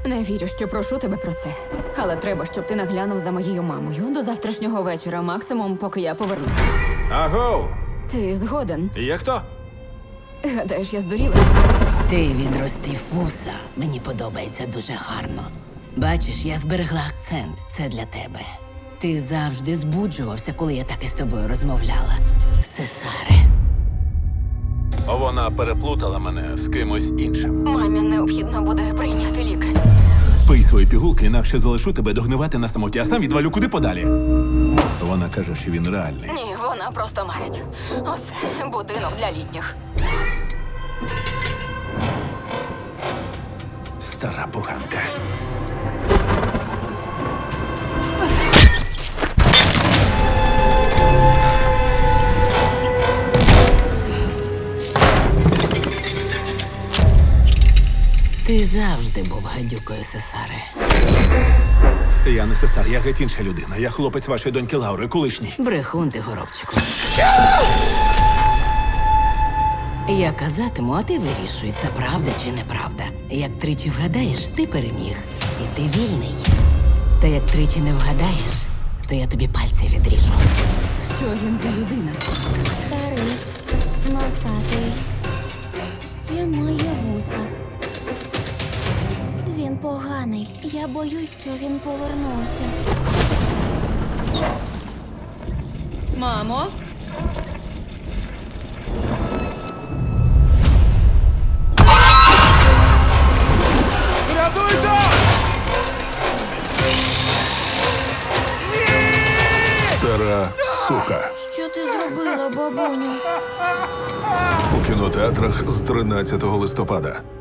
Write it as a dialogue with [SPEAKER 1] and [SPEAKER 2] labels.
[SPEAKER 1] Не вірю, що прошу тебе про це. Але треба, щоб ти наглянув за моєю мамою до завтрашнього вечора, максимум, поки я повернуся.
[SPEAKER 2] Агоу!
[SPEAKER 1] Ти згоден?
[SPEAKER 2] Є хто?
[SPEAKER 1] Гадаєш, я здуріла?
[SPEAKER 3] Ти відростив вуса. Мені подобається дуже гарно. Бачиш, я зберегла акцент. Це для тебе. Ти завжди збуджувався, коли я так із тобою розмовляла. Сесаре.
[SPEAKER 2] Вона переплутала мене з кимось іншим.
[SPEAKER 1] Мамі необхідно буде прийняти ліки.
[SPEAKER 2] Пий свої пігулки, інакше залишу тебе догнивати на самоті, а сам відвалю куди подалі. Вона каже, що він реальний.
[SPEAKER 1] Ні, вона просто марить. Усе, будинок для літніх.
[SPEAKER 2] Стара поганка.
[SPEAKER 3] Ти завжди був гадюкою, Сесаре.
[SPEAKER 2] Я не Сесар, я геть інша людина. Я хлопець вашої доньки Лаури, колишній.
[SPEAKER 3] Брехун ти, горобчику. Я казатиму, а ти вирішуй, це правда чи неправда. Як тричі вгадаєш, ти переміг. І ти вільний. Та як тричі не вгадаєш, то я тобі пальці відріжу.
[SPEAKER 1] Що він за людина?
[SPEAKER 4] Старий, носатий, ще має вуса. Він поганий. Я боюсь, що він повернувся.
[SPEAKER 1] Мамо?
[SPEAKER 2] Рятуйте! Стара сука.
[SPEAKER 4] Що ти зробила, бабуню?
[SPEAKER 2] У кінотеатрах з 13 листопада.